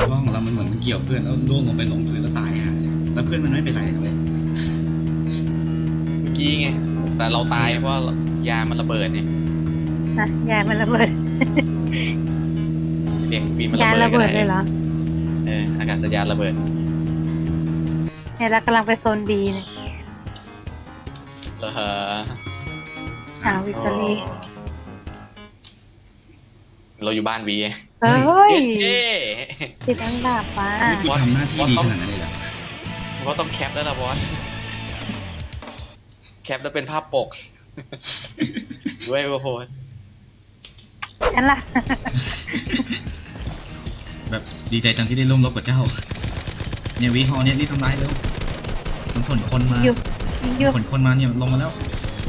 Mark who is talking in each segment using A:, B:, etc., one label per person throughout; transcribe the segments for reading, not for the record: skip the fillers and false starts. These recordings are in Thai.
A: เพราะของเรามันเหมือนมันเกี่ยวเพื่อนแล้วล่วงลงไปลงพื้นแล้วตายฮะแล้วเพื่อนมันไม่เป็นไรเลย
B: เมื่อกี้ไงแต่เราตายเพราะยามันระเบิดเนี่ย
C: นะยายมันระเบิด
B: เสียงบีมมัน
C: ยาย
B: ระ
C: ระ
B: เบิ
C: เบิ
B: ด
C: ดเลยเหรอ
B: อากาศยานระเบิด
C: เนี่ยเรากำลังไปโซนบีเนี่ย
B: เออ
C: วิกตอรี่
B: เราอยู่บ้านบี
C: เฮ้ย
B: เย้
C: ติดอันดับมา
A: นี่กูทำหน้าที่ดีขนาดนั้นเลยเหรอ
B: เพราะต้องแคปแล้วล่ะบอสแคปแล้วเป็นภาพปก ด้วยโอ้โห
C: ฉันล่ะ
A: แบบดีใจจังที่ได้ร่วมรบกับเจ้าเนี่ยวิฮอเนี่ยรีบทำลายเร็วมันส่วนคนมา
C: อยู่อยู่
A: ขนคนมาเนี่ยลงมาแล้ว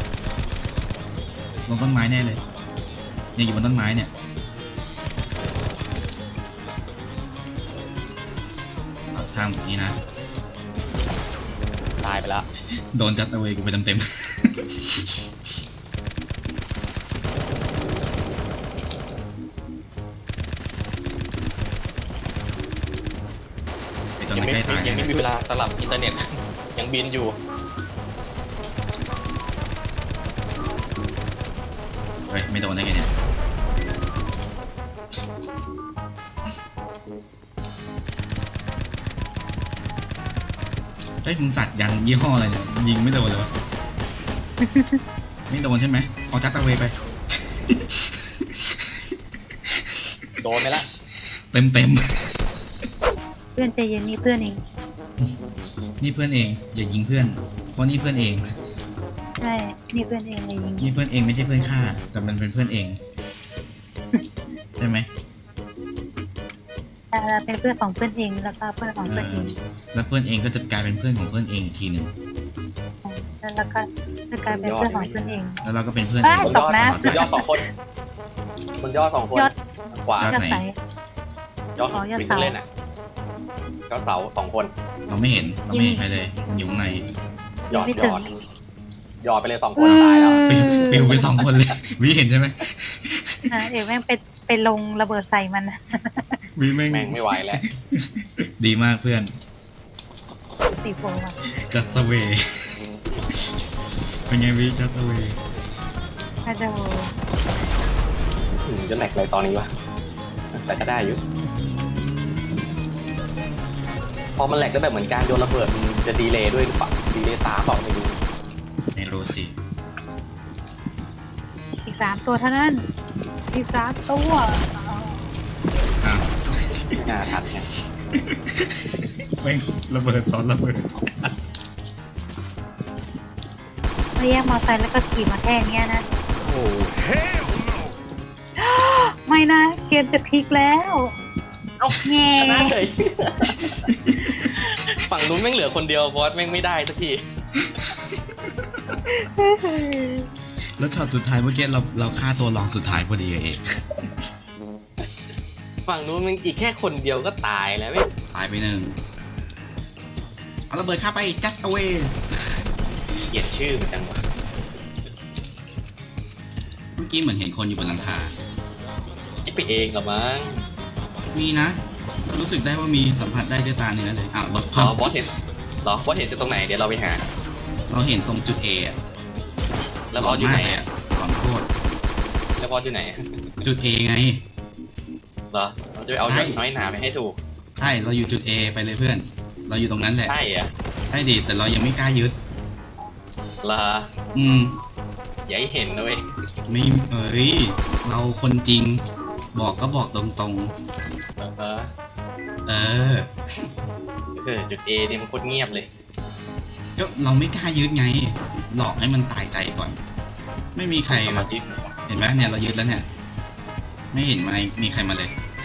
A: ลงต้นไม้แน่เลยเนี่ยอยู่บนต้นไม้เนี่ยเอาทางแบบนี้นะ
B: ตายไปแล้ว
A: โดนจัดเอาไว้กูไปเต็มๆไอตอน
B: ยัง
A: นั้น
B: ไม่
A: ใกล้ตาย
B: ยังไม่
A: นะ
B: มีเวลาสลับอินเทอร์เน็ต ยังบินอยู่
A: เฮ้ยไม่โดนได้ไงเนี่ยเฮ้ยมึงสัตว์ยันยี่ห้ออะไรเนี่ยยิงไม่โดนเลยวะ ไม่โดนใช่ไหมเอาจัดเอาไว้ไป
B: โดนไปละ
A: เต็ม
C: เพื่อนใจเย็นนี่เพื่อนเอง
A: ๆนี่เพื่อนเองอย่ายิงเพื่อนเพราะนี่เพื่อนเอง
C: ใช่นี่เพื่อนเองเลยยิง
A: นี่เพื่อนเองไม่ใช่เพื่อนข้าแต่มันเป็นเพื่อนเอง ใช่ไหม
C: เป็นเพื่อนของเพื่อนเองแล้วก็เพื่อนของเพื่อนเอง
A: แล้วเพื่อนเองก็จะกลายเป็นเพื่อนของเพื่อนเองอีกทีหนึ่ง
C: แล้วก็จะกลายเป็นเพื่อนของเพื่อนเอง
A: แล้วเราก็เป็นเพื่อน
C: เอ้
A: เอย ง
B: บน
C: ต
B: ย
C: ก
B: อด
C: น้ำ
B: บนยอดสองคนบนยอดสองคน
C: ยอด
B: ขวาย
C: อดใส
B: ยอด
C: อ๋อยอด
B: วิ่ง
C: เสา
B: เล่นอ่ะยอดเสาสองคน
A: เราไม่เห็นใครเลยมันอยู่ข้างใน
B: หยอด
C: ไม่
B: หย
C: ถึง
B: อดหยอดไปเลยสองคนตายแล้ว
A: ปิวไปสองคนเลยวิเห็นใช่ไหม
C: เดี๋ยวแม่งไปลงระเบิดใส่มัน
A: วิแม่ง
B: แม่งไม่ไหวแล้ว
A: ดีมากเพื่อน
C: สีโฟอ่ะ
A: จัดสเวย์เป็นไงวิจัดสเวย์
C: ถ้าจะ
B: จะแหลกเลยตอนนี้วะแต่ก็ได้อยู่พอมันแหลกก็แบบเหมือนการโยนระเบิดมันจะดีเลย์ด้วยหรือเปล่าดีเลย์ตาเปล่าไม่รู้
A: ไม่รู้สิ
C: อีก3 ตัวเท่านั้นอีก3 ตัว
A: อ้าว
B: ไม่น่าทันไง
A: แม่งระเบิดซ้อนระเบิด
C: มาแยกมอเตอร์ไซค์แล้วก็ขี่มาแค่เนี้ยนะ
B: โอ้
C: ไม่นะเกมจะพลิกแล้ว
B: เอา
C: แง่
B: ชนะเลยฝั่งนู้นแม่งเหลือคนเดียวบอสแม่งไม่ได้สักที
A: แล้วช็อตสุดท้ายเมื่อกี้เราฆ่าตัวรองสุดท้ายพอดีเอง
B: ฝั่งนู้นมันอีกแค่คนเดียวก็ตายแล้วไม่
A: ตายไปหนึ่งเอาระเบิดฆ่าไป just away
B: เกลียดชื่อมันจังวะ
A: เมื่อกี้เหมือนเห็นคนอยู่บนหลังคา
B: คิดไปเองเหรอมั้ง
A: มีนะ รู้สึกได้ว่ามีสัมผัสได้ด้วยตาเนื้อเลยอ้าวรถ
B: อ๋อบอสเห็นเหรอบอสเห็นจะตรงไหนเดี๋ยวเราไปหา
A: เราเห็นตรงจุด A อะ
B: แล้วบอสอยู่ไหน
A: มากเลย
B: อะ
A: หลอนโคตร
B: แล้วบอสอยู่ไหน
A: จุด A ไง
B: เหรอเราจะไปเอา
A: ใช่
B: น้อยหนาไปให้ถูก
A: ใช่เราอยู่จุด A ไปเลยเพื่อน เราอยู่ตรงนั้นแหละ
B: ใช่เหรอ
A: ใช่ดิแต่เรายังไม่กล้ายึด
B: เหรอ
A: อืม
B: อย่าให้เห็นนะเว้ย
A: ไม่เอ้ยเราคนจริง บอกก็บอกตรง
B: เออ
A: ๆ เออ
B: จุด A เนี่ยมันโคตรเงียบเลย
A: ก็เราไม่กล้ายึดไง หลอกให้มันตายใจก่อน ไม่มีใคร
B: สมาธิ
A: เห็นไหมเนี่ยเรายึดแล้วเนี่ย ไม่เห็นมีใครมาเลย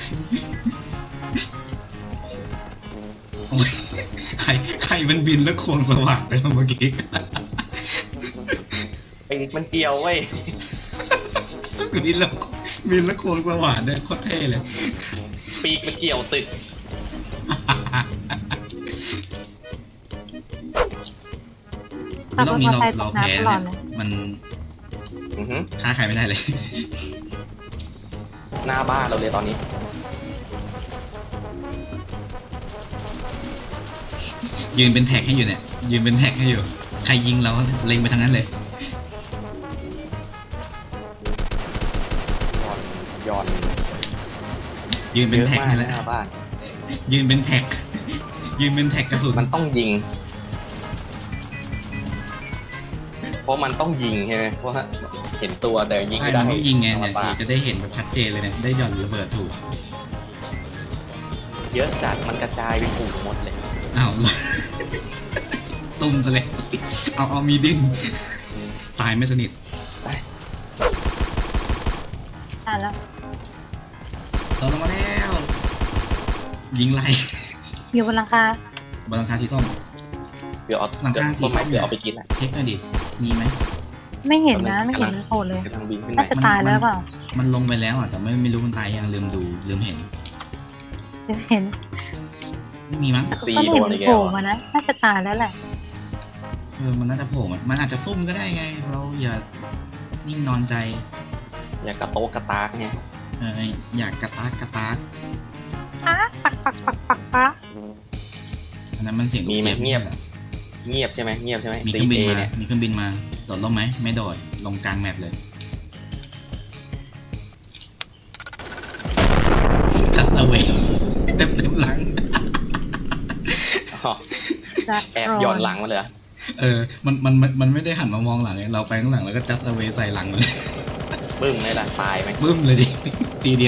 A: โอ้ยใครมันบินแล้วควงสว่างไปเมื่อกี้
B: ไอ้มันเกี่ยวเว้ย
A: บินแล้วควงสว่างเนี่ยโคตรเท่เลย
B: ปีกมันเกี่ยวตึก
A: รอบนี้เราแพ้
C: ตลอ
A: เนี่
C: ด
A: ย
C: เลย
A: มัน
B: อือหือ
A: ฆ่าใครไม่ได้เลย
B: หน้าบ้านเราเลยตอนนี้
A: ยืนเป็นแท็กให้อยู่เนี่ยยืนเป็นแท็กให้อยู่ใครยิงเราเล็งไปทางนั้นเลย
B: ย้อน
A: ยืนเป็นแท็กให้แล้ว
B: หน้าบ้าน
A: ยืนเป็นแท็กยืนเป็นแท็กกระสุน
B: มันต้องยิง เพราะมันต้องยิงใช่ไหมเพราะว่าเห็นตัวแต่ยิง
A: ใช่
B: ไม่ได้
A: มันต้องยิงไงเนี่ย
B: ธรรมดา
A: จะได้เห็นแบบชัดเจนเลยเนี่ยได้หย่อนระเบิดถูก
B: เยอะจัดมันกระจายไปฝูงหมดเลย
A: อ้าว ตุ้มซะเลยเอามีดิ้นตายไม่สนิท
C: แล้ว
A: เราลงมาแล้ว ยิงไล่
C: อยู่บนหลังคา
A: บนหลังคาสีส้ม
B: เดี๋ยวเอา
A: หลังคาสี
B: ต้นไม้
A: ส้ม
B: เดี๋ยวเอาไปกินแหละ
A: เช็คหน่อยดิมีไหม
C: ไม่เห็นนะไม่เห็นโผล่เลย
B: กำลังบินขึ้น
C: น่า
B: ไป
C: จะตายแล้วเปล่า
A: มันลงไปแล้วอ่ะแต่ไม่รู้มันตายยังลืมดูลืมเห็น
C: เห็น
A: ไม่มีมั้ง
C: ก็เห็นโผล่มานะน่าจะตายแล้วแหละ
A: มันน่าจะโผล่มันอาจจะซุ่มก็ได้ไง เราอย่านิ่งนอนใจ
B: อย่ากระโตกกระตากไง
A: อยากกระตากกระตาก
C: ปัก
A: อันนั้นมันเสียงลูกเจี๊ยบ
B: เงียบใช่ไหมเงียบใช่ไหม
A: มีเครื่องบิน
B: 4A
A: มา
B: เนี่ย
A: มีเครื่องบินมาโดดลงไหมไม่โดดลงกลางแมปเลยจัดเอาไว้เต็มหลัง
B: อ๋อ
C: จัด
B: แอบย้อนหลังมาเลยเหรอ
A: มันไม่ได้หันมามองหลังไงเราไปข้างหลังแล้วก็จัดเอาไว้ใส่หลังเลย
B: บึ้มไหมล่ะตายไหม
A: บึ้มเลยดิ ทีเดียว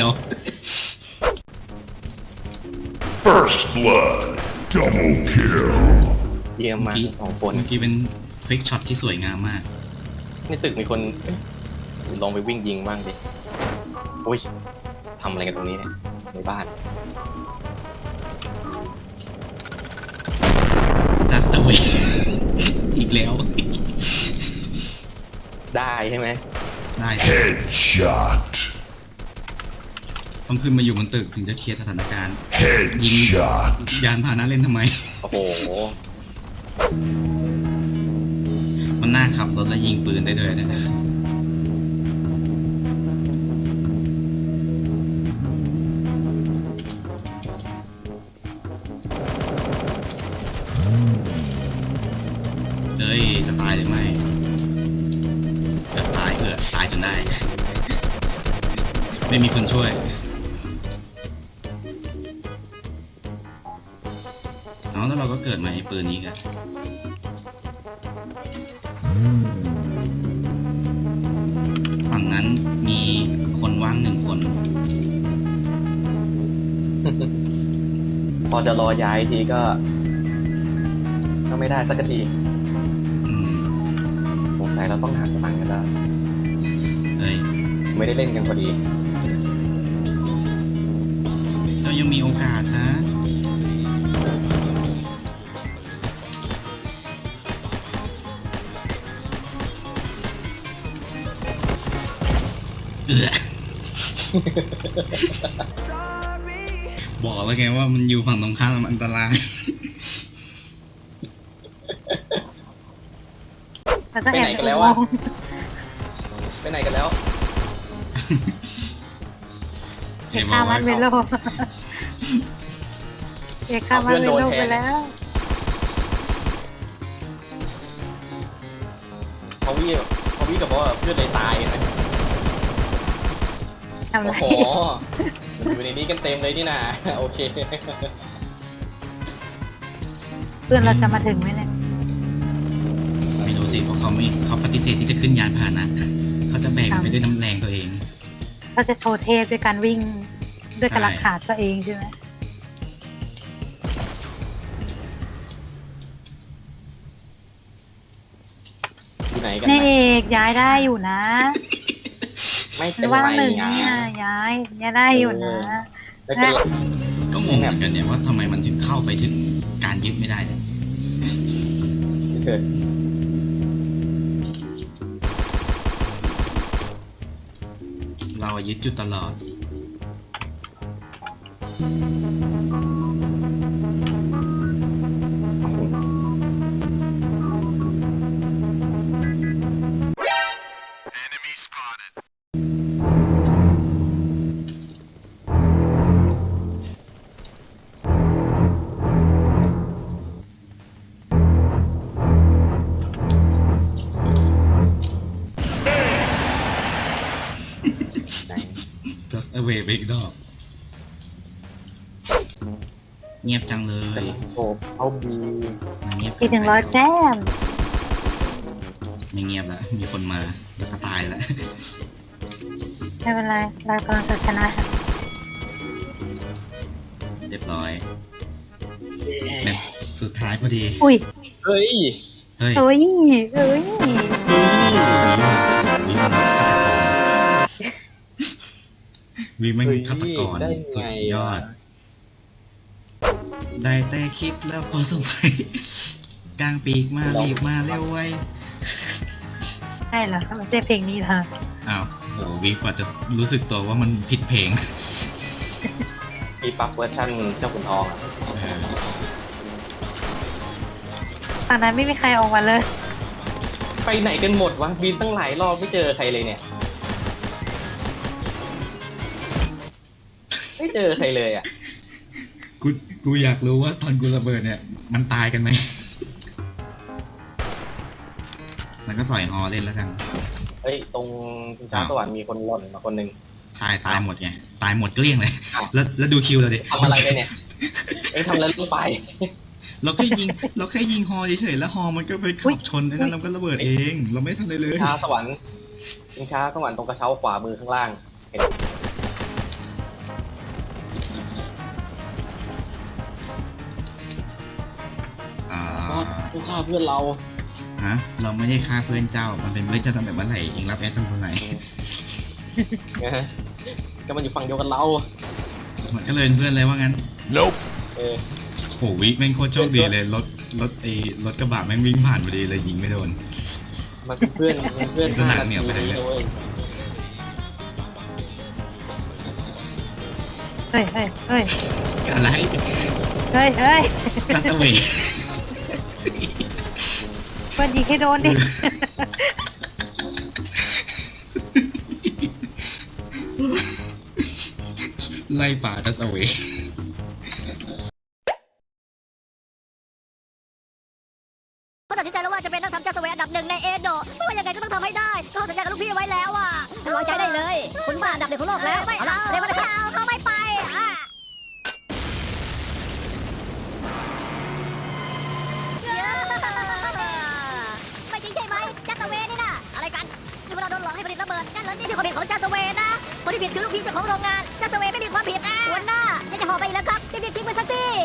D: First blood. Double kill.
B: เยี่ยมมากสองคน
A: เมื่อกี้เป็นควิกช็อตที่สวยงามมาก
B: ในตึกมีคนเอ๊ะลองไปวิ่งยิงบ้างดิโอ้ยทำอะไรกันตรงนี้เนี่ยในบ้าน
A: just away อีกแล้ว
B: ได้ใช่ไหม
A: ได้
D: Headshot.
A: ต้องขึ้นมาอยู่บนตึกถึงจะเคลียร์สถานการณ์
D: Headshot.
A: ยานพาหนะเล่นทำไม
B: โอ้โห
A: มันน่าขับรถแล้วยิงปืนได้ด้วยนะเฮ้ย จะตายหรือไม่จะตายตายจนได้ ไม่มีคนช่วย เอาแล้วเราก็เกิดมาไอ้ปืนนี้กันฝั่งนั้นมีคนว่าง1 คน
B: พอจะรอย้ายทีก็ไม่ได้สักที
A: อืม
B: สงสัยเราต้องหักตังค์กันแล้ว
A: เฮ้ย
B: ไม่ได้เล่นกันพอดี
A: เจ้ายังมีโอกาสนะ เอือ บอกแล้วไงว่ามันอยู่ฝั่งตรงข้ามมันอันตราย
C: แล้วก็
B: ไป
C: แอ
B: ไหน
C: บ
B: กันแล้วอะ ไปไหนกันแล้ว
C: เอกข้ามันเวโลเอกข้ามันเวโลไปแล้ว
B: พอวี่กับว่าเพื่อนเลยตายนะ
C: ทำไร
B: โอ้โหอยู่ในนี้กันเต็มเลยนี่นา โอเค
C: เพื่อนเราจะมาถึงไหมเนี่ย
A: ไม่รู้สิเพราะเขาปฏิเสธที่จะขึ้นยานพาหนะ เขาจะแบกมันไปด้วยน้ำแรงตัวเอง
C: เราจะโชว์เทพด้วยการวิ่งด้วยกระลักขาดตัวเองใช่ไหม
B: อยู่ไหนกัน
C: นี่
B: นะ
C: เอกย้ายได้อยู่นะ
B: ไม่เป็น
C: ว่าง
B: ไร
C: หนึ่ง
B: ไง
C: เนี่ยย้ายได้อยู่นะ
B: ไม่เป็นไร
A: ก็งงเหมือนกันเนี่ยว่าทำไมมันถึงเข้าไปถึงการยึดไม่ได้เนี่ย
B: เกิด
A: เราอะยึดอยู่ตลอด just away ไปอีกดอกเงียบจังเลย
B: โอ้เอาบี
A: เงียบ
C: อีก100 แต้ม
A: ไม่เงียบแล้วมีคนมาแล้วก็ตายแล้ว
C: ไม่เป็นไรเรากำลังจะชนะ
A: เรียบร้อยแมตช์สุดท้ายพอดี
C: อุ้ย
B: เฮ้ย
A: เฮ้ย
C: เอ้ยเอ้ย
A: วีมันฆาตกร
B: ได้
A: สุ
B: ไง
A: ดยอด ได้แต่คิดแล้วก็สงสัยกลางปีกมารีบมาเร็วไว้
C: ใช่เหรอมันจะเพลงนี้เหรอ
A: อ้าวโหวีกว่าจะรู้สึกตัวว่ามันผิดเพลง
B: มีปรับเวอร์ชันเจ้าขุนทองอะ
C: ตอนนั้นไม่มีใครออกมาเลย
B: ไปไหนกันหมดวะบินตั้งหลายรอบไม่เจอใครเลยเนี่ยไม่เจอใครเลยอ่ะ
A: กูอยากรู้ว่าตอนกูระเบิดเนี่ย มันตายกันไหม มันก็สอยฮอเล่นแล้วกัน
B: เฮ้ยตรงชิงช้าสวรรค์มีคนหล่นมาคนหนึ่ง
A: ใช่ตายหมดไง ตายหมดเกลี้ยงเลย
B: อ้าว
A: แล้วดูคิวเราดิ
B: ทำอะไรกันเนี่ยเอ็งทำอะไรลงไป
A: เราแค่ยิงฮอเฉยๆแล้วฮอมันก็ไปขับชนแล้วเราก็ระเบิดเอง เราไม่ทำอะไรเลย
B: ชิงช้าสวรรค์ชิงช้าสวรรค์ตรงกระเช้าขวามือข้างล่างเห็น
A: อ่า
B: ผู้ฆ่าเพื่อนเรา
A: ฮะเราไม่ได้ฆ่าเพื่อนเจ้า มันเป็นเพื่อนเจ้าตั้งแต่เมื่อไหร่เองรับแอดตั้งแต่ไหน
B: นะฮะก็มันอยู่ฝั่งเดียวกันเรา
A: มันก็เลยเป็นเพื่อนเลยว่างั้น
D: Nope.
B: เออ
A: โหวิแม่งโคตรโชคดีเลยรถกระบะแม่งวิ่งผ่านพอดีเลยยิงไม่โดน
B: มันเป็นเพื่อน
A: จะหนักเหนียวไปเลย
B: ว้ย
C: เฮ้ยเฮ้ยเฮ้ย
A: อะไร
C: เฮ้ยเฮ้ย
A: just away
C: เพื่อนยิงให้โดนดิ
A: ไล่ป่า just away
E: เขาตัดสินใจแล้วว่าจะเป็นนักทำจัสเวย์อันดับ1ในเอโดะไม่ว่ายังไงก็ต้องทำให้ได้เขาสัญญากับลูกพี่ไว้แล้วอ่ะวางใจได้เลย คุณบ้าอันดับ1ของโลกแล้วไม่เอาเดี๋ยวไม่เอาเขาไม่ไปไม่จริงใช่ไหมจัสเวย์นี่นะอะไรกันนี่พวกเราโดนหลอกให้ผลิตระเบิดนั่นเหรอนี่คือความผิดของจัสเวย์นะคนที่ผิดคือลูกพี่เจ้าของโรงงานจัสเวย์ไม่มีความผิดนะหัวหน้าจะห่อไปอีกแล้วครับรีบๆทิ้งไปซะสิ